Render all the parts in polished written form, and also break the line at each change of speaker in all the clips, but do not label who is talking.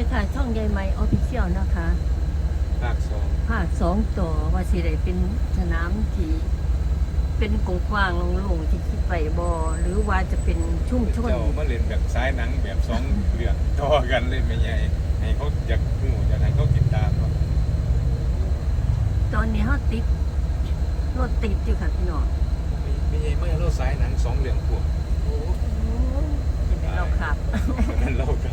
ค่ะช่องใยไหมออฟฟิเชียลนะคะ
ภาคสอง
ภาคสองต่อว่าสิได้เป็นสนามที่เป็นกว้างๆโล่งๆที่คิดไปบอหรือว่าจะเป็นชุ่มชน
เจ้ามาเล่นแบบซ้ายหนังแบบสองเรื่องต่อกันเลยไม่ใหญ่ให้เขาอยากหูอยากให้เขาติดตามเนาะ
ตอนนี้เขาติดรถติดอยู่ค่ะพี่น้อง
ไม่ใหญ่ไม่เราซ้ายหนังสองเรื่องพวกโอ้
กินได้เราขับ
นั่นเราก็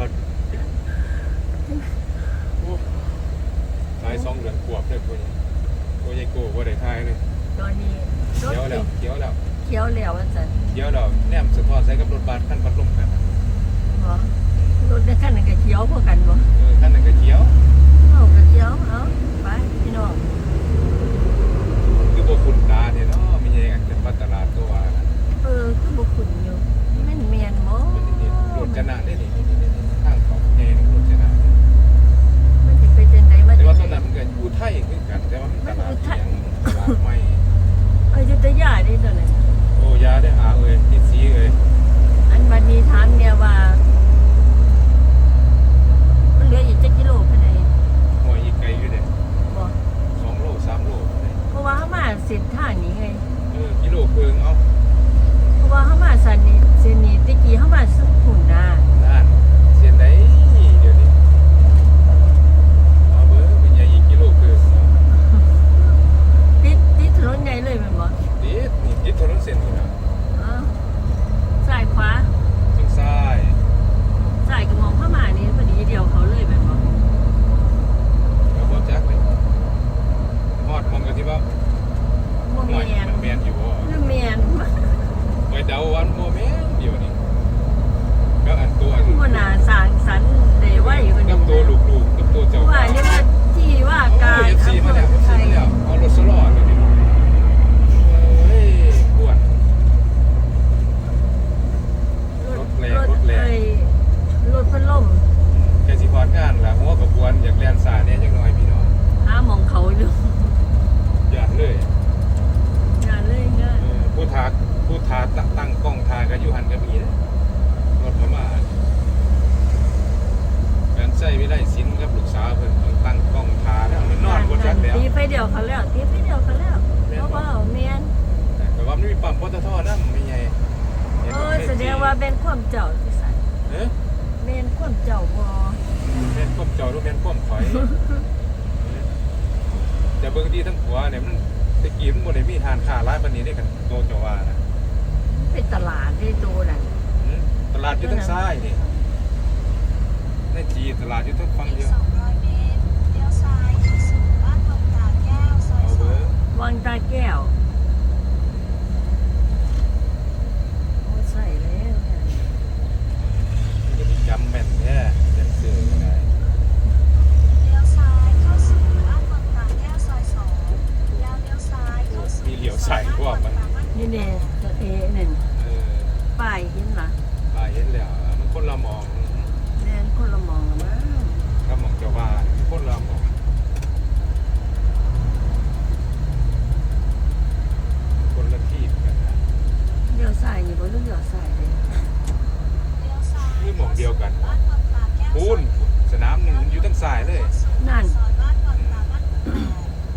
ซ้ายสองเรื่องขวบเลยพวกนี้พวกใหญ่โก้พวกได้ทายเลย
ตอนนี้รถ
เขียวแล้
ติ
ว
ด
เขียวแล้ว
เขียวแล้วว่าจะ
เขียวแล้วแนมสะท้อนใส่กับรถบัสขั้นพัดลมกัน
บ่รถในขั้นนั้นก็เขียวพอกันบ่
ขั้นนั้นก็เขียว
เอาก็เขียวเอาไปพี่น้อง
คือพวกคุณตาเนี่ยเนาะไม่ใหญ่กันเป็นพัตลาดตัวนะ
คือบ่ขุนอยู่มันเมียนบ่
รถชนะได้นี่ข้างของแง่รถชนะ
มันสิไปจังไดมา
แต่
จั
ว่าง ต
ได
อนนั้นมันก็อยู่ไทยคือกันแต่ว่ามันตลาดยังตลาดใหม่
อยุธยาได้ตัวนั้น
โอ้ยาได้อาเอ้ยที่สีเอ้ย
อันบัดนี้ถามเนี่ยว่ามันเหลืออีกจักกิโลภายใน
หัวอีกไกลอยู่เด้
บ่
2 โล 3 โล
เพราะว่าเฮามาเส้นทางนี้ไง
กิโลเพิงเอา
เพราะว่าเฮามาสันนี้เส้นนี้ตะกี้เฮามาสุขุนนะ
นั่นเส้นไหนเดี๋ยวนี้เอาเบอร์เป็นไงอีกกิโลเพิง
ติดถนนใหญ่เลยแม่นบ่
ติดถนนเส้นนี่นะ
อ้าวซ้ายขวา
ทางซ้าย
ซ้ายก็มองเข้ามานี่พอดีเดียวเขาเลยแม่นบ่
แล้วบ่จักเลยฮอดมองกันที่ว่า
บ่
หน่อย
แม่น
มันแม่นอยู่บ่
หรือแม่น
ไปเดาวันบ่แม่นเดี๋ยวนี้ก็อันตัวอัน
บ่น่าสร้างสรรค์ได้ไว้กว่า
กั
นี้
บตัวลูกๆกับตัวเจ้า
ว่านี่ว่าที่ว่าการ
เอฟซีมาแล้ว
ไทย
เอารถสลอดเลยดิเฮ้ยปวดรถแรงรถแรง
รถพัดลม
แกสิพอดงานล่ะหัวกับกวนอยากแล่นสายเนี่ยจังน้อยพี่น้อง
หาหมองเขาอยู่
อย่าเลย
งานเลยงาน
ผู้ทาตั้งกล้องทากันอยู่หันกับมีนะรถมาการใช้วิไลศิลป์กับลูกสาวเพิ่นต้องตั้งกล้องทาแล้วมันนอนบนจักแล้ว
ตีไฟเดียวเขาแล้วตีไฟเดียวเขาแล้วเพราะว่าเมียน
แต่ว่ามันมีปั๊มปตทนั่นไม่ใหญ่
แสดงว่าเป็นความเจ้าที่ใส่
เอ๊ะ
เมนความเจ้าบ่
แม่นก้มเจ้าหรือแม่นก้มถอยแต่เบิ่งที่ทั้งหัวเนี่ยมันตะกี้มันบ่ได้มีทานค้าร้ายปานนี้ได้กันโตเจ้าว่านะ
เป็นตลาดที่ตัวนั่น
ตลาดอยู่ทางซ้ายนี่ในจีตลาดอยู่ทางฝั่งเดียว
200 เมตรเลี้ยวซ้ายเข้าสู่บ้านวังตาแก้ว ซอย
เอาเบอร์
วังตาแก้วโอ้ใส่แล้วเนี่ย
มันก็สิจำแม่นแท้เซ็นเซอร์ก็ได้
2เลี้ยวซ้ายเข้าสู่บ้านวังตาแก้ว ซอย 2 แล้วเลี้ยวซ้ายเข้าสู่
มีเหลียวใส่พวกมัน
นี่เนี่ยตัวเอนั่น
เออ
ป้ายเห็นหรอ
ป้าเห็นแล้วมันคนละหมอง
แม่นคนละมองละมั้ง
กับหมองเจ้าว่าคนละหมองคนละที่กันนะ
เลี้ยวซ้ายนี่บ่รู้เลี้ยวซ้ายเลย
เลี้ยวซ้าย
คือหมองเดียวกัน
บ้านวังตาแก้ว
ปูนสนามหนึ่งมันอยู่ทางซ้ายเลย
นั่น
ซอยบ้านวังตาบ้านแปด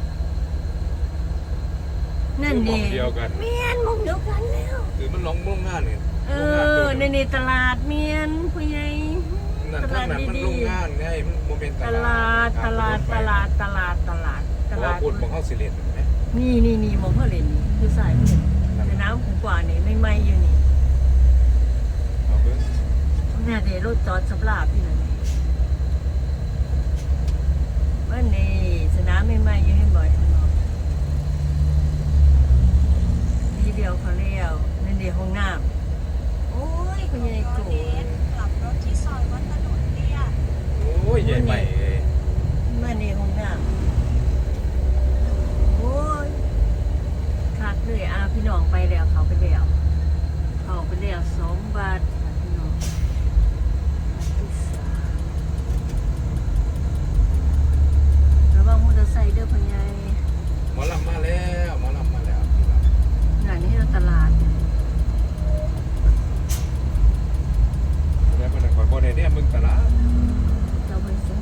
นั่น
คือหมอ
นี่
งเดียวกัน
เมียนหมองเดียวกันแล้ว
คือมันลงโรงงานนี่
เอ
โรงงานตัว
อใน
นึง
นี่ตลาดเมียนผู้ใหญ่
นั่น
ต
ทา
ลาง ด
นั้นมัน
ดี
โรงงานไงมันโมเมนต์
ๆต
ต
ลา
ลา
ด
ด
ตลาดตลาดตลาดตลาดต
เพราะ
ลา
ว่า
ด
พูดของเขาสิเลนเห็นไหม
นี่มองเขาเล่นนี่คือสายเพิ่นแต่น้ำกว่านี่ไม่ไหม้อยู่นี่
เอาเบิ้ง
แม่เดี๋ยวรถจอดสำหรับพี่นั่นว่านี่สนามไม่ไหม้อยู่ให้บ่อยข้างนอกทีเดียวเขาเลี้ยวนั่นเดียวห้องน้ำโอ้ยผู้ใหญ่โกร
เมต
ธ
รกลับรถที่ซอยวัดถนนเตี้ย
โอ้ยใหญ่ใหม่เลย
เมื่อนี้ห้องน้ำโอ้ยคักเลยพี่น้องไปแล้วเขาไปแล้ว2 บาทค่ะพี่น้องที่3ระวังมอเตอร์ไซค์เด้อพ่อใหญ่
หมอลำมาแล้วหมอลำมาแล้ว
งานนี้เราตลาด
แล้วมันคอยบ่ได้เนี่ยมึงตลาด
เราไปซื้อ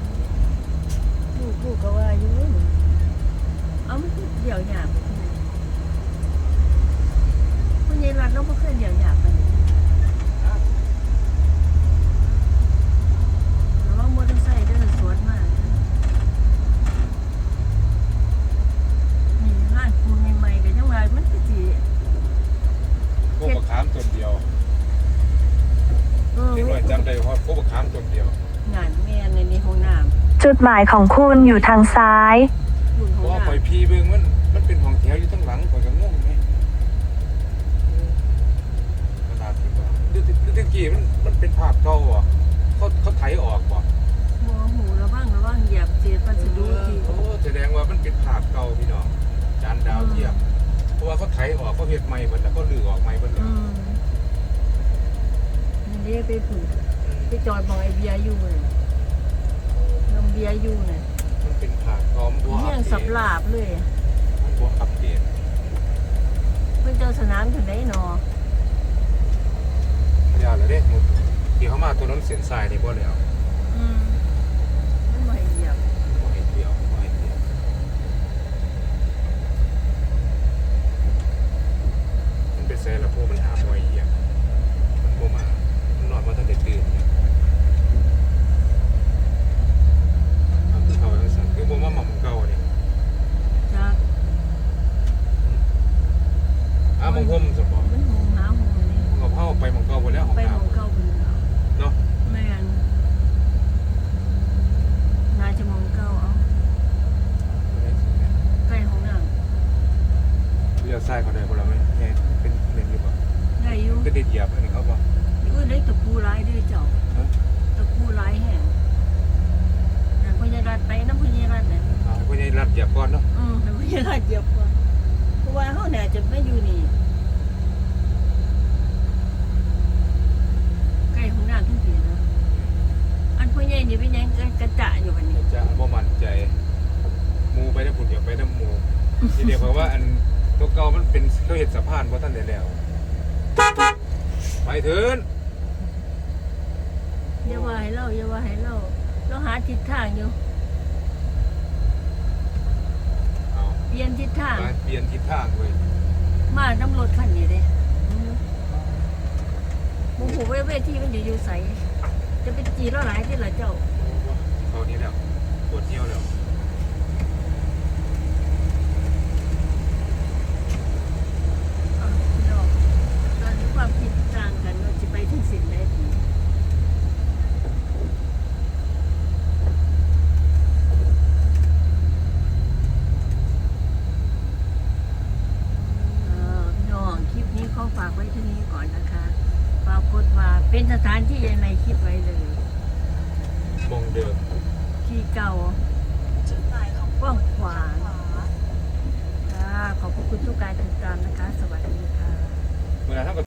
จุดหมายของคุณอยู่ทางซ้าย
รุ่น
เพ
ของ
ราะว่า
เรา
ปล่อยพีเบิ่งมันเป็นห้องแถวอยู่ทั้งหลังข่อยก็งงไหมขนาดที่ว่าดูตะกี้มันเป็นภาพเก่าอ่ะเขาไถออกป่ะ
หมอหูระวังเหยียบเศษวัสดุที่
โอ้แสดงว่ามันเป็นภาพเก่าพี่น้องจานดาวเทียมเพราะว่าเขาไถออกเขาเฮ็ดใหม่หมดแล้วก็ลื้อออกใหม่หมดแล้ว
นี่เด้ไปผุ่นไปจอดมองไอเบียร์อยู่น่ะน้ำเบียร์อยู่น่ะ
มันเป็นภาพก่อมบัว
เฮี้ยงสับลาบเลย
มันบัวอัปเดต
เพิ่นเจ้าสนามถึงไหนหนอ
ยาเลยเด้หมดที่เขามาตัวนั้นเสียนทรายนี่บ่แล้ว
มันบ่ให้เหยียบ
บ่ให้เดียวบ่ให้เดียวมันเป็นแซ่ละพวกมันหาบ่อยเหยียบมันบ่มามันนอนมาตั้งแต่ตื่นเนี่ยเอาคือเขาจังซั่นคือบ่มาหม่อมเก่าเนี่ย
จาก
มงคมสมบ่
มันหงหาหงนี่
กับเฮาไปหม่องเก่าบ่แล้วของ
ไปห
น้ำ
งเก่าเป็นเอา
เนาะ
แม่นน่าจะมองเก่าเอาใกล้ห้องน้
เลี้ยวซ้ายเขาได้บ่ล่ะแม่แม่เป็นเล่นอยู่บ่
ำได้อยู่
ก็ได้เหยียบอันนี้เขาบ่
ได้ตะปูร้ายด้วยเจ้า
ฮะ
ตะปูร้ายแห้งอย่างพญารัตไปน้ำพญารัตเนี่ย
เอาให้พ่อใหญ่รับเหยียบก่อนเนาะ
แต่พญารัตเหยียบก่อนเพราะว่าเขาเนี่ยจะไม่อยู่นี่ใกล้ห้องน้ำทั้งทีนะอันพญานี่เป็นยังกระจะอยู่บัดนี้
จะบ่มั่นใจหมู่ไปนำพุ่นเดี๋ยวไปนำหมู่ที่เรียกว่าอันตัวเก่ามันเป็นเขาเฮ็ดสะพานบ่ทันได้แล้วไปเถิน
อย่าว่าให้เราเราหาทิศทางอยู่
เอา
เปลี่ยนทิศทาง
ไปเปลี่ยนทิศทางเว้ย
มาน้ำรถคันนี้เลยมูหูเวทีมันอยู่ใสจะเป็นจีแล้วหลายที่ละเจ้า
เขานี้แล้วปวดเที่ยวแล้ว
พี่น้องตอนนี้ความคิดต่างกันเราจะไปถึงสิ่งใดดีพี่น้องคลิปนี้ขอฝากไว้ที่นี้ก่อนนะคะปรากฏว่าเป็นสถานที่ยังในคิดไว้เลย
มองเดิม
ที่เก่า
จุดหมาย